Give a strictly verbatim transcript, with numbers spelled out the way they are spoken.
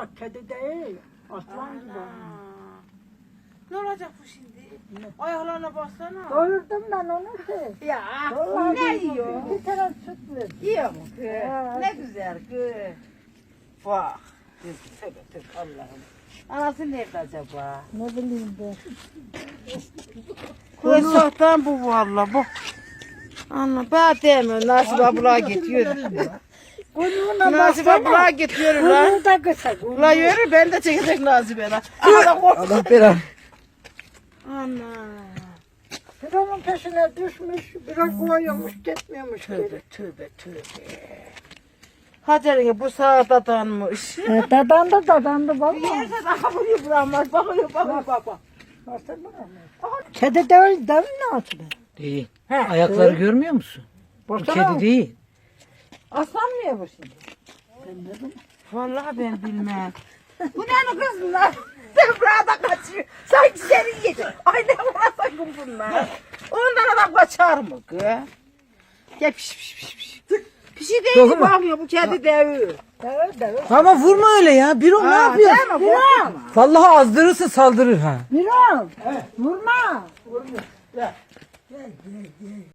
bak kedi değil. Aslan gibi. Ne olacak bu şimdi? Ayaklarına baksana. Doyurdum ben onu ki. Ya Vallahi ne doyurdum. yiyor? Bir taraf süt verdim. Yiyor mu kız? Ha. Ne güzel kız. Bak. Kız tövbe tövbe Allah'ım. Anası nerede acaba? Ne bileyim ben. Kız sahtan bu valla bu. Anla ben demiyorum Nasip abla gidiyor. Kuyruğuna Nasip baksana. abla gidiyor la. Kuyruğu da kısa. kuyruğu. La yürü ben de çekecek Nasip'e la. Ana kork. Allah belanı. Ana. Bir onun peşine düşmüş, biraz koyuyormuş, gitmiyormuş Tövbe geri. tövbe tövbe. Hacer'e bu sağa dadanmış. E, dadandı dadandı Bir valla. yerden akılıyor bırakmaz. Bakıyor bakıyor bak bak. Kedi değil, değil mi Nasip? Değil. He, Ayakları değil. görmüyor musun? Bu Baksana. kedi değil. Aslan mı ya bu şimdi? Ben ne bileyim. Vallahi ben bilmem. Bu ne kız lan? Sen burada kaçıyor. Sanki seni yiyecek. Ay ne var sakın bunlar. Ondan adam kaçar mı kız? Gel piş piş piş piş. Bir şey değil Dokunma. bakmıyor bu kedi devi. Değil, değil. Ama vurma öyle ya. Bir o ne yapıyor? Miran. Vallahi azdırırsa saldırır ha. Miran, vurma.